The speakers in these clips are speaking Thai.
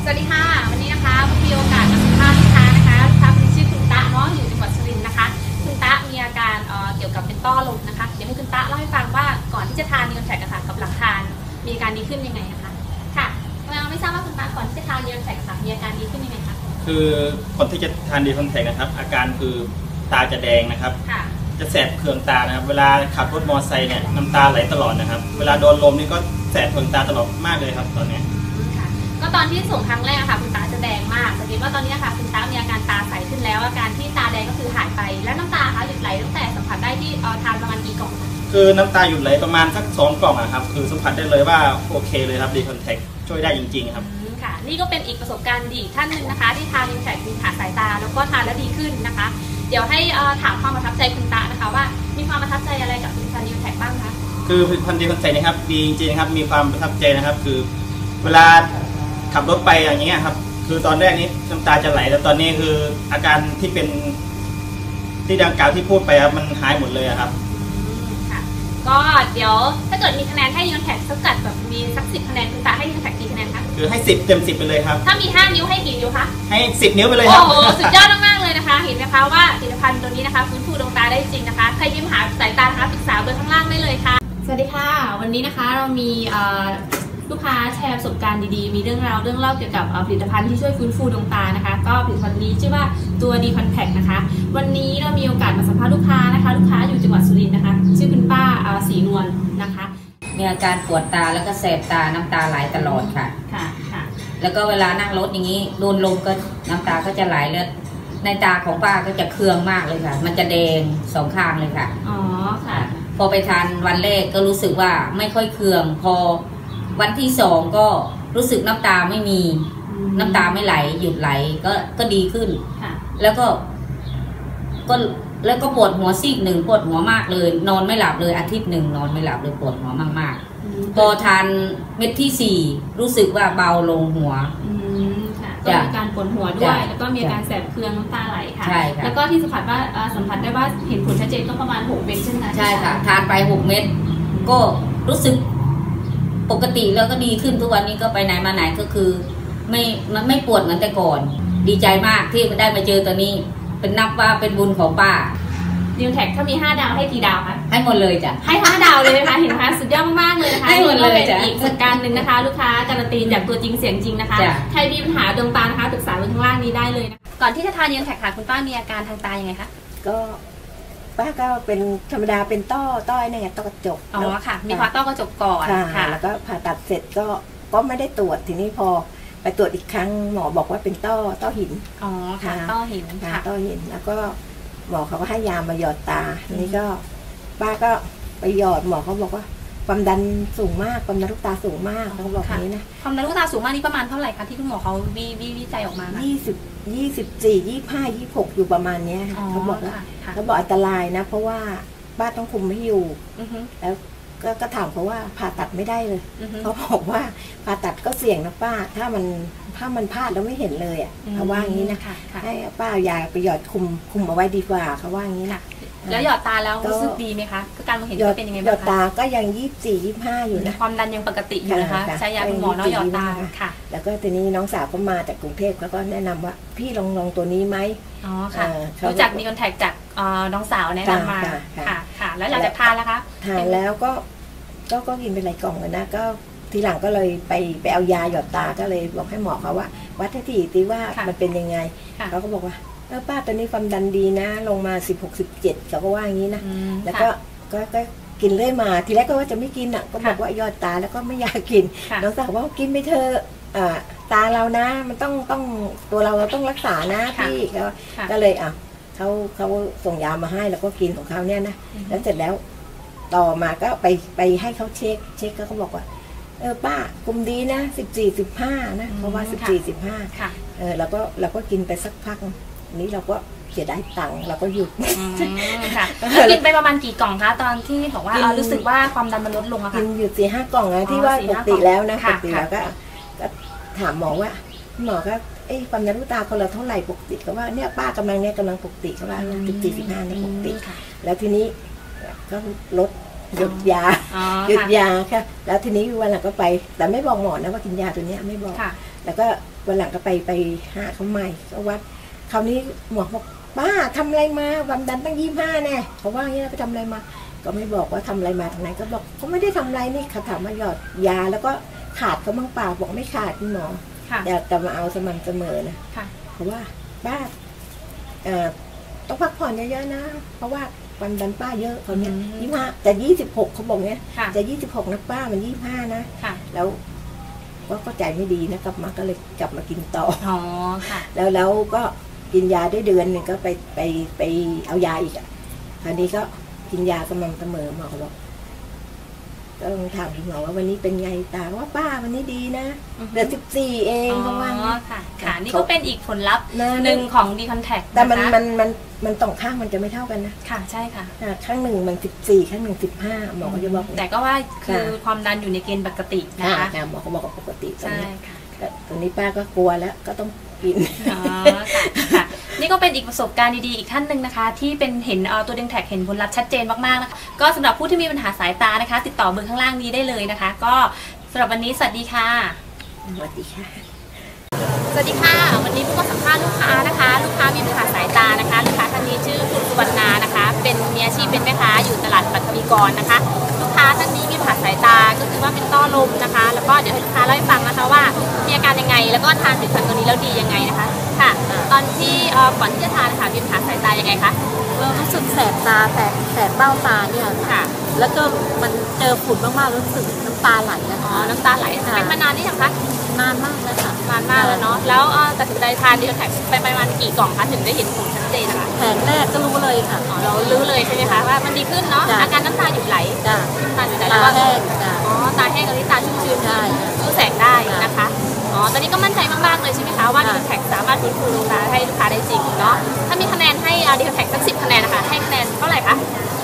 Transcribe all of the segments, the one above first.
สวัสดีค่ะวันนี้นะคะมีโอกาสมาสัมภาษณ์ลูกค้านะคะลูกค้าคนชื่อคุณตะเนาะอยู่จังหวัดสุรินทร์นะคะคุณตะมีอาการเกี่ยวกับเป็นต้อลมนะคะเดี๋ยวให้คุณตะเล่าให้ฟังว่าก่อนที่จะทานนีออนแทคค่ะกับหลังทานมีอาการดีขึ้นยังไงนะคะค่ะไม่ทราบว่าคุณตะก่อนที่จะทานนีออนแทคค่ะมีอาการดีขึ้นยังไงคะคือคนที่จะทานนีออนแทคนะครับอาการคือตาจะแดงนะครับจะแสบเคืองตานะครับเวลาขับรถมอเตอร์ไซค์เนี่ยน้ำตาไหลตลอดนะครับเวลาโดนลมนี่ก็แสบเคืองตาตลอดมากเลยครับตอนนี้ก็ตอนที่ส่งครั้งแรกค่ะคุณตาจะแดงมากสังเกตว่าตอนนี้ค่ะคุณตามีอาการตาใสขึ้นแล้วอาการที่ตาแดงก็คือหายไปแล้วน้ำตาคะหยุดไหลตั้งแต่สัมผัสได้ที่ทานประมาณกี่กล่องคือน้ำตาหยุดไหลประมาณสัก2 กล่องครับคือสัมผัสได้เลยว่าโอเคเลยครับดีคอนแทคช่วยได้จริงๆครับค่ะนี่ก็เป็นอีกประสบการณ์ดีท่านหนึ่งนะคะที่ทานดีคอนแทคมีขาสายตาแล้วก็ทานแล้วดีขึ้นนะคะเดี๋ยวให้ถามความประทับใจคุณตานะคะว่ามีความประทับใจอะไรกับผลิตภัณฑ์ดีคอนแทคบ้างคะคือผลิตภัณฑ์ดีคอนแทคนะครับดีจริงๆครับมีความประทับใจนะครับคือเวลาขับรถไปอย่างเงี้ยครับคือตอนแรกนี้น้ำตาจะไหลแล้วตอนนี้คืออาการที่เป็นที่ดังกล่าวที่พูดไปครับมันหายหมดเลยครับค่ะก็เดี๋ยวถ้าเกิดมีคะแนนให้ดีคอนแทคสักกัดแบบมีสัก10 คะแนนคุณตาให้ดีคอนแทคกี่คะแนนคะคือให้10 เต็ม 10ไปเลยครับถ้ามี5 นิ้วให้กี่นิ้วคะให้10 นิ้วไปเลยครับโอ้โหสุดยอดมากๆเลยนะคะเห็นไหมคะว่าผลิตภัณฑ์ตัวนี้นะคะฟื้นฟูดวงตาได้จริงนะคะใครมีปัญหาสายตานะคะปรึกษาเบอร์ข้างล่างได้เลยค่ะสวัสดีค่ะวันนี้นะคะเรามีลูกค้าแชร์ประสบการณ์ดีๆมีเรื่องเล่าเกี่ยวกับผลิตภัณฑ์ที่ช่วยฟื้นฟูดวงตานะคะก็ผลิตภัณฑ์นี้ชื่อว่าตัวดีคอนแทคนะคะวันนี้เรามีโอกาสมาสัมภาษณ์ลูกค้านะคะลูกค้าอยู่จังหวัดสุรินทร์นะคะชื่อคุณป้าศรีนวลนะคะมีอาการปวดตาแล้วก็แสบตาน้ำตาไหลตลอดค่ะค่ะแล้วก็เวลานั่งรถอย่างนี้โดนลมก็น้ำตาก็จะไหลเลือดในตาของป้าก็จะเคืองมากเลยค่ะมันจะแดง2 ข้างเลยค่ะอ๋อค่ะพอไปทานวันแรกก็รู้สึกว่าไม่ค่อยเคืองพอวันที่2ก็รู้สึกน้ำตาไม่มีน้ำตาไม่ไหลหยุดไหลก็ดีขึ้นแล้วก็ปวดหัวซีกหนึ่งปวดหัวมากเลยนอนไม่หลับเลยอาทิตย์หนึ่งนอนไม่หลับเลยปวดหัวมากๆพอทานเม็ดที่4รู้สึกว่าเบาลงหัวก็มีการปวดหัวด้วยแล้วก็มีอาการแสบเคืองน้ำตาไหลค่ะแล้วก็ที่สัมผัสได้ว่าเห็นผลชัดเจนก็ประมาณ6 เม็ดใช่ไหมใช่ค่ะทานไป6 เม็ดก็รู้สึกปกติแล้วก็ดีขึ้นทุกวันนี้ก็ไปไหนมาไหนก็คือไม่ปวดเหมือนแต่ก่อนดีใจมากที่ได้มาเจอตัวนี้เป็นนับว่าเป็นบุญของป้าดีคอนแทคถ้ามี5 ดาวให้กี่ดาวคะให้หมดเลยจ้ะให้5 ดาวเลยนะคะเห็นไหมคะสุดยอดมากๆเลยนะคะให้หมดเลยจ้ะอีกประสบการณ์หนึ่งนะคะลูกค้าการันตีจากตัวจริงเสียงจริงนะคะใครมีปัญหาดวงตานะคะปรึกษาเบอร์ข้างล่างนี้ได้เลยนะก่อนที่จะทานดีคอนแทคค่ะคุณป้ามีอาการทางตายังไงคะก็ป้าก็เป็นธรรมดาเป็นต้อเนี่ยต้อกระจกอ๋อค่ะมีผ่าต้อกระจกก่อนค่ะแล้วก็ผ่าตัดเสร็จก็ไม่ได้ตรวจทีนี้พอไปตรวจอีกครั้งหมอบอกว่าเป็นต้อหินอ๋อค่ะต้อหินค่ะต้อหินแล้วก็หมอเขาก็ให้ยามาหยอดตาทีนี้ก็ป้าก็ไปหยอดหมอเขาบอกว่าความดันสูงมากความดันลูกตาสูงมากเขาบอกนี้นะความดันลูกตาสูงมากนี่ประมาณเท่าไหร่คะที่คุณหมอเขาวิจัยออกมา 24 25 26อยู่ประมาณนี้เขาบอกว่าเขาบอกอันตรายนะเพราะว่าป้าต้องคุมไม่อยู่แล้วก็ถามเขาว่าผ่าตัดไม่ได้เลยเขาบอกว่าผ่าตัดก็เสี่ยงนะป้าถ้ามันพลาดแล้วไม่เห็นเลยอ่ะเขาว่าอย่างนี้นะให้ป้ายาไปหยอดคุมเอาไว้ดีกว่าเขาว่าอย่างนี้นะแล้วหยอดตาแล้วรู้สึกดีไหมคะการมองเห็นเป็นยังไงบ้างคะหยอดตาก็ยัง24 25อยู่นะความดันยังปกติอยู่นะคะใช้ยาคุณหมอเนาะหยอดตาค่ะแล้วก็ทีนี้น้องสาวก็มาจากกรุงเทพแล้วก็แนะนำว่าพี่ลองตัวนี้ไหมอ๋อค่ะรู้จักดีคอนแทคจากน้องสาวแนะนำมาค่ะแล้วหลังจากทานแล้วคะทานแล้วก็กินเป็นหลายกล่องเลยนะก็ทีหลังก็เลยไปเอายาหยอดตาก็เลยบอกให้หมอเขาว่าวัดให้ทีว่ามันเป็นยังไงเขาก็บอกว่าป้าตอนนี้ความดันดีนะลงมา16 17เขาก็ว่าอย่างนี้นะแล้วก็กินเรื่อยมาทีแรกก็ว่าจะไม่กินอ่ะก็บอกว่าหยอดตาแล้วก็ไม่อยากกินน้องสาวว่ากินไปเถอะตาเรานะมันต้องตัวเราต้องรักษานะพี่ก็เลยเขาส่งยามาให้แล้วก็กินของเขาเนี่ยนะแล้วเสร็จแล้วต่อมาก็ไปให้เขาเช็คก็เขาบอกว่าป้ากลุ่มดีนะ14 15นะเพราะว่า14 15แล้วก็กินไปสักพักนี้เราก็เสียดายตังค์เราก็หยุดค่ะกินไปประมาณกี่กล่องคะตอนที่บอกว่ารู้สึกว่าความดันมันลดลงอะค่ะกินอยู่4 5 กล่องนะที่ว่าปกติแล้วนะปกติแล้วก็ถามหมอว่าหมอก็ความดันลูกตาคนเราเท่าไหร่ปกติก็ว่าเนี่ยป้ากำลังปกติก็ว่า14 15เนี่ยปกติแล้วทีนี้ก็ลดหยุดยาค่ะแล้วทีนี้วันหลังก็ไปแต่ไม่บอกหมอนะว่ากินยาตัวนี้ไม่บอกแล้วก็วันหลังก็ไปหาเขาใหม่ก็วัดคราวนี้หมอบอกป้าทำอะไรมาความดันตั้ง25แน่เขาว่าอย่างนี้ไปทำอะไรมาก็ไม่บอกว่าทำอะไรมาทางไหนก็บอกเขาไม่ได้ทำอะไรนี่เขาถามมาหยอดยาแล้วก็ขาดเขาบ้างเปล่าบอกไม่ขาดคุณหมอแต่มาเอาสม่ำเสมอนะเพราะว่าป้าต้องพักผ่อนเยอะๆนะเพราะว่าความดันป้าเยอะเขาเนี่ย25แต่26เขาบอกเนี้ยจะ26นะป้ามัน25นะแล้วก็ใจไม่ดีนะกลับมาก็เลยกลับมากินต่อค่ะแล้วก็กินยาได้เดือนหนึ่งก็ไปเอายาอีกคราวนี้ก็กินยาสม่ำเสมอหมอเขาบอกก็ลองถามคุณหมอว่าวันนี้เป็นไงตาว่าป้าวันนี้ดีนะเดือน14เองเพราะว่าค่ะนี่ก็เป็นอีกผลลัพธ์หนึ่งของดีคอนแทคแต่มันสองข้างมันจะไม่เท่ากันนะค่ะใช่ค่ะข้างหนึ่งมัน14ข้างหนึ่ง15หมอเขาจะบอกแต่ก็ว่าคือความดันอยู่ในเกณฑ์ปกตินะคะหมอเขาบอกปกติใช่ค่ะแต่ตอนนี้ป้าก็กลัวแล้วก็ต้องกินค่ะนี่ก็เป็นอีกประสบการณ์ดีๆอีกท่านหนึ่งนะคะที่เป็นเห็นตัวดีคอนแทคเห็นผลลัพธ์ชัดเจนมากๆนะคะก็สำหรับผู้ที่มีปัญหาสายตานะคะติดต่อเบอร์ข้างล่างนี้ได้เลยนะคะก็สำหรับวันนี้สวัสดีค่ะสวัสดีค่ะสวัสดีค่ะวันนี้พวกเราสัมภาษณ์ลูกค้านะคะลูกค้ามีปัญหาสายตานะคะลูกค้าท่านนี้ชื่อคุณสุวรรณานะคะเป็นมีอาชีพเป็นแม่ค้าอยู่ตลาดปัทวีกรนะคะลูกค้าท่านนี้มีปัญหาสายตาก็คือว่าเป็นต้อลมนะคะแล้วก็เดี๋ยวให้ลูกค้าเล่าให้ฟังนะคะว่ามีอาการยังไงแล้วก็ทานผลิตภัณฑ์ตัวนี้แล้วดียังไงนะคะค่ะตอนที่ก่อนที่จะทานนะคะมีปัญหาสายตายังไงคะรู้สึกแสบตาแสบเบ้าตาเนี่ยค่ะแล้วก็มันเจอฝุ่นมากๆรู้สึกน้ำตาไหลนะคะน้ำตาไหลเป็นมานานนี่ยังคะนานมากแล้วค่ะนานมากแล้วเนาะแล้วตัดสินใจทานดีคอนแทคไปประมาณกี่กล่องคะถึงได้เห็นผลชัดเจนนะคะแผงแรกก็รู้เลยค่ะเรารู้เลยใช่ไหมคะว่ามันดีขึ้นเนาะอาการน้ำตาหยุดไหลน้ำตาหยุดไหลแล้วก็แห้งตาแห้งกับตาชุ่มชื้นรู้แสงได้นะคะตอนนี้ก็มั่นใจมากๆเลยใช่ไหมคะว่าดีคอนแทคสามารถฟื้นฟูดวงตาให้ลูกค้าได้จริงเนาะถ้ามีคะแนนให้ดีคอนแทคสัก10คะแนนนะคะให้คะแนนเท่าไหร่คะ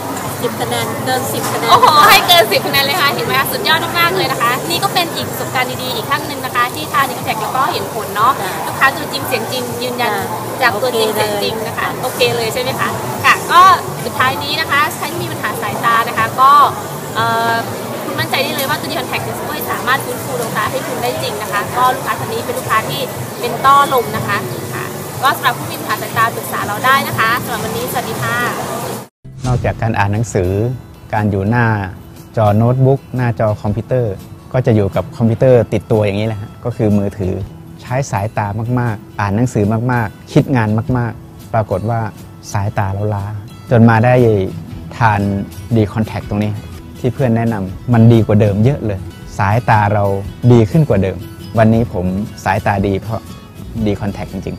10คะแนนเกิน10คะแนนโอ้โหให้เกิน10คะแนนเลยค่ะเห็นไหมคะสุดยอดมากๆเลยนะคะนี่ก็เป็นอีกประสบการณ์ดีๆอีกครั้งหนึ่งนะคะที่ทานดีคอนแทคแล้วก็เห็นผลเนาะลูกค้าตัวจริงเสียงจริงยืนยันจากตัวจริงเสียงจริงนะคะโอเคเลยใช่ไหมคะค่ะก็สุดท้ายนี้นะคะใครที่มีปัญหาสายตานะคะก็คุณมั่นใจได้เลยว่าตัวดีคอนแทคจะช่วยสามารถฟื้นฟูดวงตาให้คุณได้จริงนะคะก็ลูกค้าท่านนี้เป็นลูกค้าที่เป็นต้อลมนะคะค่ะก็สำหรับผู้มีปัญหาสายตาปรึกษาเราได้นะคะสำหรับวันนี้สวัสดีค่ะนอกจากการอ่านหนังสือการอยู่หน้าจอโน้ตบุ๊กหน้าจอคอมพิวเตอร์ก็จะอยู่กับคอมพิวเตอร์ติดตัวอย่างนี้แหละฮะก็คือมือถือใช้สายตามากๆอ่านหนังสือมากๆคิดงานมากๆปรากฏว่าสายตาเราล้าจนมาได้ทานดีคอนแทคตรงนี้ที่เพื่อนแนะนำมันดีกว่าเดิมเยอะเลยสายตาเราดีขึ้นกว่าเดิมวันนี้ผมสายตาดีเพราะดีคอนแทคจริง